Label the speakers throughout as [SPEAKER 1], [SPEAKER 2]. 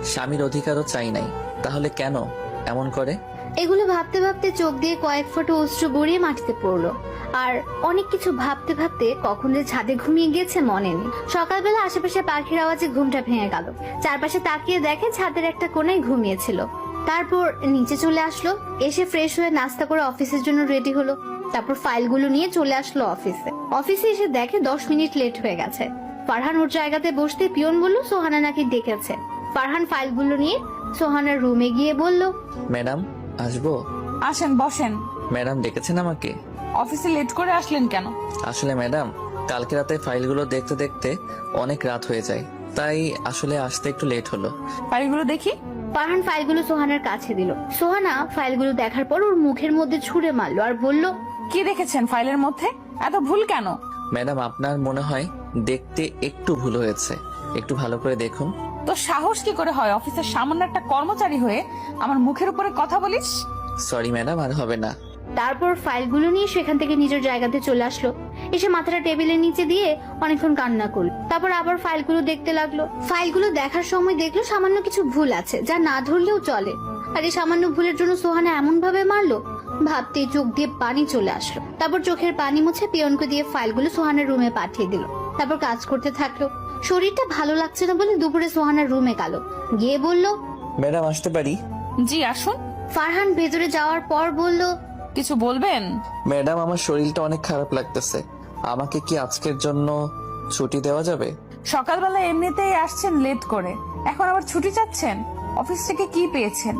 [SPEAKER 1] স্বামীর অধিকারও চাই নাই, তাহলে কেন এমন করে?
[SPEAKER 2] এগুলো ভাবতে ভাবতে চোখ দিয়ে কয়েক ফোঁটা অশ্রু গড়িয়ে মাটিতে পড়লো। আর অনেক কিছু ভাবতে ভাবতে কখন যে ছাদে ঘুমিয়ে গিয়েছে মনে নেই। সকালবেলা আশেপাশে পাখির আওয়াজে ঘুমটা ভেঙে গেল। চারপাশে তাকিয়ে দেখে ছাদের একটা কোণায় ঘুমিয়েছিল। তারপর নিচে চলে আসলো, এসে ফ্রেশ হয়ে নাস্তা করে অফিসের জন্য রেডি হলো। তারপর ফাইলগুলো নিয়ে চলে আসলো অফিসে। অফিসে এসে দেখে 10 মিনিট লেট হয়ে গেছে। ফারহান ওর জায়গাতে বসতে পিয়ন বলল সোহানা নাকি ডেকেছে। ফারহান ফাইলগুলো নিয়ে সোহানার রুমে গিয়ে বলল,
[SPEAKER 1] ম্যাডাম আসবো?
[SPEAKER 3] আসেন, বসেন।
[SPEAKER 1] ম্যাডাম ডেকেছেন আমাকে?
[SPEAKER 3] অফিসে লেট করে আসলেন কেন?
[SPEAKER 1] আসলে ম্যাডাম, কালকে রাতে ফাইলগুলো দেখতে দেখতে অনেক রাত হয়ে যায়, তাই আসলে আসতে একটু লেট হলো।
[SPEAKER 3] ফাইলগুলো দেখি।
[SPEAKER 2] ফারহান ফাইলগুলো সোহানার কাছে দিল। সোহানা ফাইলগুলো দেখার পর ওর মুখের মধ্যে ছুঁড়ে মারলো আর বলল,
[SPEAKER 3] কি দেখেছেন ফাইলের মধ্যে? এত ভুল কেন?
[SPEAKER 1] ম্যাডাম আপনার মনে হয় দেখতে একটু ভুল হয়েছে, একটু ভালো করে দেখুন।
[SPEAKER 3] তো সাহস কি করে হয় অফিসের সামান্য একটা কর্মচারী হয়ে আমার মুখের উপরে কথা বলিস?
[SPEAKER 1] সরি ম্যাডাম, আর হবে না।
[SPEAKER 2] তারপর ফাইলগুলো নিয়ে সেখান থেকে নিজের জায়গাতে চলে আসলো। এসে মাথাটা টেবিলের নিচে দিয়ে অনেকক্ষণ কান্না করলো। তারপর আবার ফাইলগুলো দেখতে লাগলো। ফাইলগুলো দেখার সময় দেখলো সামান্য কিছু ভুল আছে, যা না ধরলেও চলে। আর এই সামান্য ভুলের জন্য সোহানা এমন ভাবে মারলো, ভাবতেই চোখ দিয়ে পানি চলে আসলো। তারপর চোখের পানি মুছে পিয়নকে দিয়ে ফাইলগুলো সোহানার রুমে পাঠিয়ে দিল। তারপর কাজ করতে থাকলো। শরীরটা ভালো লাগছে না বলে দুপুরে সোহানার রুমে গেল, গিয়ে বলল,
[SPEAKER 1] ম্যাডাম আসতে পারি?
[SPEAKER 3] জি আসুন।
[SPEAKER 2] ফারহান ভেতরে যাওয়ার পর বলল,
[SPEAKER 3] কিছু বলবেন?
[SPEAKER 1] ম্যাডাম আমার শরীরটা অনেক খারাপ লাগতেছে, আমাকে কি আজকের জন্য ছুটি দেওয়া যাবে?
[SPEAKER 3] সকালবেলা এমনিতেই আসছেন লেট করে, এখন আবার ছুটি চাচ্ছেন? অফিস থেকে কি পেয়েছেন?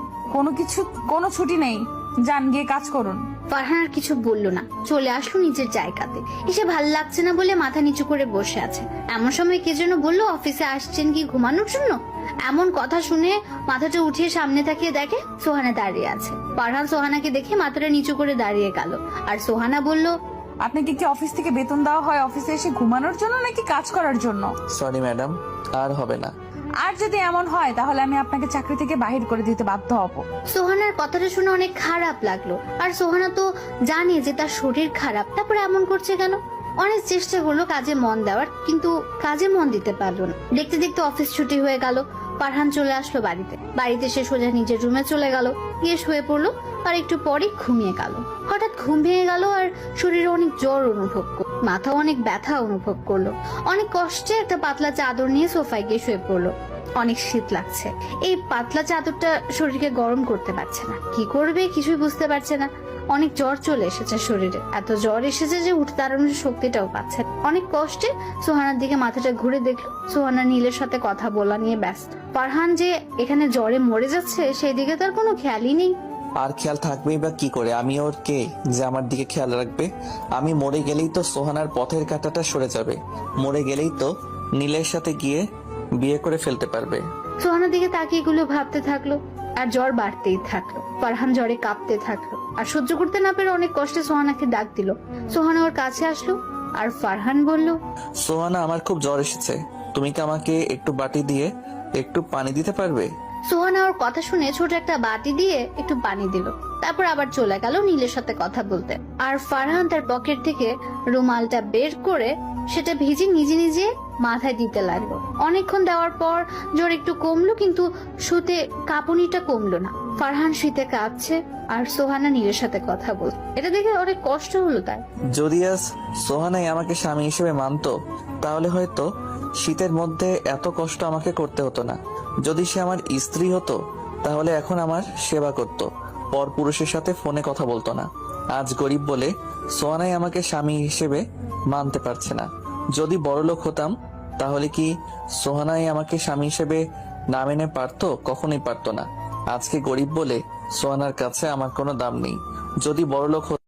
[SPEAKER 3] কোনো ছুটি নেই, যান গিয়ে কাজ করুন।
[SPEAKER 2] ফারহান আর কিছু বললো না, চলে আসলো নিজের জায়গাতে। এসে ভাল লাগছে না বলে মাথা নিচু করে বসে আছে। এমন সময় কে যেন বললো অফিসে আসছেন কি ঘুমানোর জন্য। এমন কথা শুনে মাথাটা উঠিয়ে সামনে তাকিয়ে দেখে সোহানা দাঁড়িয়ে আছে। ফারহান সোহানাকে দেখে মাথাটা নিচু করে দাঁড়িয়ে গেল। আর সোহানা বলল,
[SPEAKER 3] আপনাকে কি অফিস থেকে বেতন দেওয়া হয় অফিসে এসে ঘুমানোর জন্য নাকি কাজ করার জন্য?
[SPEAKER 1] সরি ম্যাডাম, আর হবে না।
[SPEAKER 3] আর যদি এমন হয় তাহলে আমি আপনাকে চাকরি থেকে বাহির করে দিতে বাধ্য হব।
[SPEAKER 2] সোহানার কথাটা শুনে অনেক খারাপ লাগলো। আর সোহানা তো জানে যে তার শরীর খারাপ, তারপরে এমন করছে কেন। অনেক চেষ্টা করলো কাজে মন দেওয়ার, কিন্তু কাজে মন দিতে পারলো না। দেখতে দেখতে অফিস ছুটি হয়ে গেল। ফারহান চলে আসলো বাড়িতে সে সোজা নিজের রুমে চলে গেল, গিয়ে শুয়ে পড়লো। আর একটু পরে ঘুমিয়ে গেল। হঠাৎ ঘুম ভেঙে গেল আর শরীরে অনেক জ্বর অনুভব করলো, মাথা অনেক ব্যথা অনুভব করলো। অনেক কষ্টে একটা পাতলা চাদর নিয়ে সোফায় গিয়ে শুয়ে পড়লো। অনেক শীত লাগছে, এই পাতলা চাদরটা শরীরকে গরম করতে পারছে না। কি করবে কিছুই বুঝতে পারছে না। অনেক জ্বর চলে এসেছে শরীরে, এত জ্বর এসেছে যে উঠে দাঁড়ানোর শক্তিটাও পাচ্ছে না। অনেক কষ্টে সোহানার দিকে মাথাটা ঘুরে দেখলো সোহানা নীলের সাথে কথা বলা নিয়ে ব্যস্ত। ফারহান যে এখানে জ্বরে মরে যাচ্ছে সেই দিকে তার কোনো খেয়ালই নেই।
[SPEAKER 1] আর খেয়াল থাকবেই বা কি করে? আমি ওর কে যে আমার দিকে খেয়াল রাখবে? আমি মরে গেলেই তো সোহানার পথের কাঁটাটা সরে যাবে, মরে গেলেই তো নীলের সাথে গিয়ে বিয়ে করে ফেলতে পারবে।
[SPEAKER 2] সোহানার দিকে তাকিয়ে এগুলো ভাবতে থাকলো আর জ্বর বাড়তেই থাকলো। ফারহান জ্বরে কাঁপতে থাকলো আর সহ্য করতে না পেরে অনেক কষ্টে সোহানাকে ডাক দিল। সোহানা ওর কাছে আসলো আর ফারহান বলল,
[SPEAKER 1] সোহানা আমার খুব জ্বর এসেছে, তুমি কি আমাকে একটু বাটি দিয়ে একটু পানি দিতে পারবে?
[SPEAKER 2] সোহানা ওর কথা শুনে ছোট একটা বাটি দিয়ে একটু পানি দিল। তারপর আবার চলে গেল নীলের সাথে কথা বলতে। আর ফারহান তার পকেট থেকে রুমালটা বের করে সেটা ভিজে নিজে নিজে মাথায় দিতে লাগলো। অনেকক্ষণ দেওয়ার পর জ্বর একটু কমলো, কিন্তু শুতে কাঁপুনিটা কমলো না। ফারহান শীতে কাঁপছে আর সোহানা নীলের সাথে কথা বলছে। এটা দেখে অনেক কষ্ট হলো তার।
[SPEAKER 1] যদি আজ সোহানাই আমাকে স্বামী হিসেবে মানতো তাহলে হয়তো শীতের মধ্যে এত কষ্ট আমাকে করতে হতো না। যদি সে আমার স্ত্রী হতো তাহলে এখন আমার সেবা করত, পর পুরুষের সাথে ফোনে কথা বলতো না। আজ গরিব বলে সোহানাই আমাকে স্বামী হিসেবে মানতে পারছে না। যদি বড়লোক হতাম তাহলে কি সোহানাই আমাকে স্বামী হিসেবে না মেনে পারতো? কখনোই পারতো না। আজকে গরিব বলে সোহানার কাছে আমার কোনো দাম নেই। যদি বড়লোক